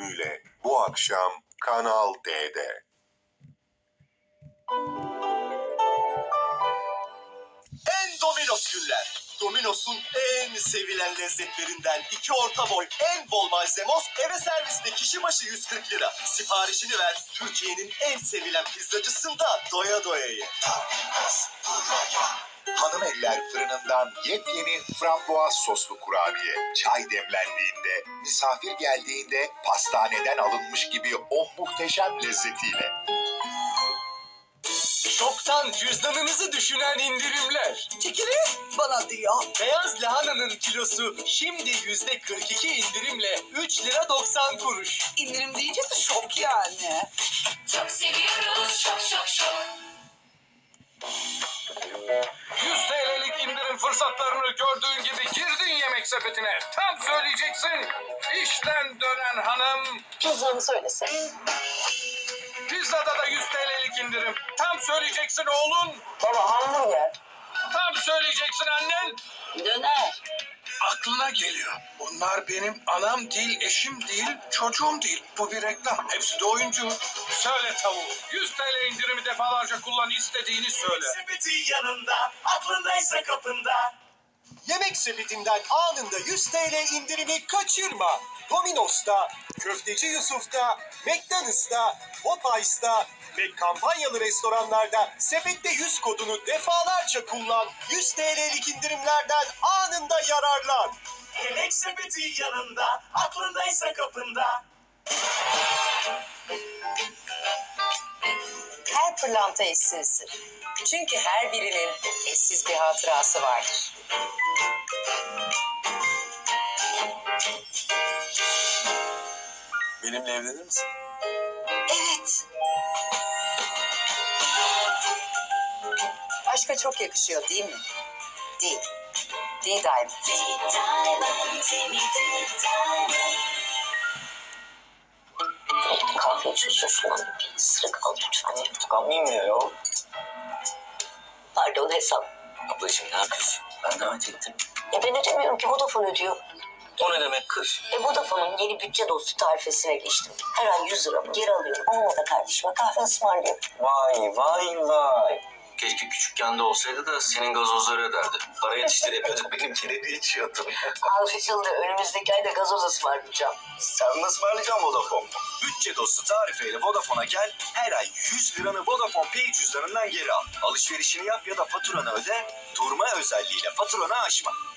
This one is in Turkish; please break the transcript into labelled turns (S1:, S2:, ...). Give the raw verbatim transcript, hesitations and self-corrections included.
S1: bölümüyle bu akşam Kanal D'de.
S2: En Domino's günler. Domino's'un en sevilen lezzetlerinden iki orta boy en bol malzemos eve serviste kişi başı yüz kırk lira. Siparişini ver, Türkiye'nin en sevilen pizzacısında doya doya ye.
S3: Hanım eller fırınından yepyeni frambuaz soslu kurabiye. Çay demlendiğinde, misafir geldiğinde pastaneden alınmış gibi o muhteşem lezzetiyle.
S4: Çoktan cüzdanınızı düşünen indirimler.
S5: Çekili bana diyor.
S4: Beyaz lahananın kilosu şimdi yüzde kırk iki indirimle üç lira doksan kuruş.
S5: İndirim deyince de şok yani.
S6: Çok seviyoruz, şok şok şok.
S7: yüz TL'lik indirim fırsatlarını gördüğün gibi girdin yemek sepetine. Tam söyleyeceksin. İşten dönen hanım.
S6: Pizzanı söylesin.
S7: Pizzada da yüz TL'lik indirim. Tam söyleyeceksin oğlum.
S5: Baba hamburger.
S7: Tam söyleyeceksin annen.
S5: Döner.
S7: Aklına geliyor. Bunlar benim anam değil, eşim değil, çocuğum değil. Bu bir reklam. Hepsi de oyuncu. Söyle tavuğu. yüz TL indirimi defalarca kullan, istediğini söyle.
S2: Sepeti yanında, aklındaysa kapında. Yemek sepetinden anında yüz TL indirimi kaçırma. Domino's'ta, Köfteci Yusuf'ta, McDonald's'ta, Popeyes'ta ve kampanyalı restoranlarda sepette yüz kodunu defalarca kullan. yüz TL'lik indirimlerden anında yararlan. Yemek sepeti yanında, aklındaysa kapında.
S8: Her pırlanta eşsizdir. Çünkü her birinin eşsiz bir hatırası vardır.
S2: Benimle evlenir misin?
S8: Evet. Aşka çok yakışıyor değil mi? Değil. Değil Diamond.
S6: Kahve içiyorsun şuna. Bir ısırık al lütfen.
S4: Tıkanmayayım ya ya.
S6: Pardon hesap.
S4: Ablacığım ne yapıyorsun? Ben davet ettim.
S6: E ben ödemiyorum ki Vodafone ödüyor.
S4: O ne demek kız?
S6: E Vodafone'un yeni bütçe dostu tarifesine geçtim. Her ay yüz liramı geri alıyorum. Onunla da kardeşime kahve ısmarlıyorum.
S4: Vay vay vay. Keşke küçükken de olsaydı da senin gazozları öderdi. Para yetiştiremiyorduk, benimkini de içiyordum.
S6: Anlaşıldı. Önümüzdeki ayda gazoz ısmarlayacağım.
S4: Sen mi ısmarlayacaksın Vodafone? Bütçe dostu tarifeyle Vodafone'a gel, her ay yüz liranı Vodafone Pay cüzdanından geri al. Alışverişini yap ya da faturanı öde, durma özelliğiyle faturanı aşma.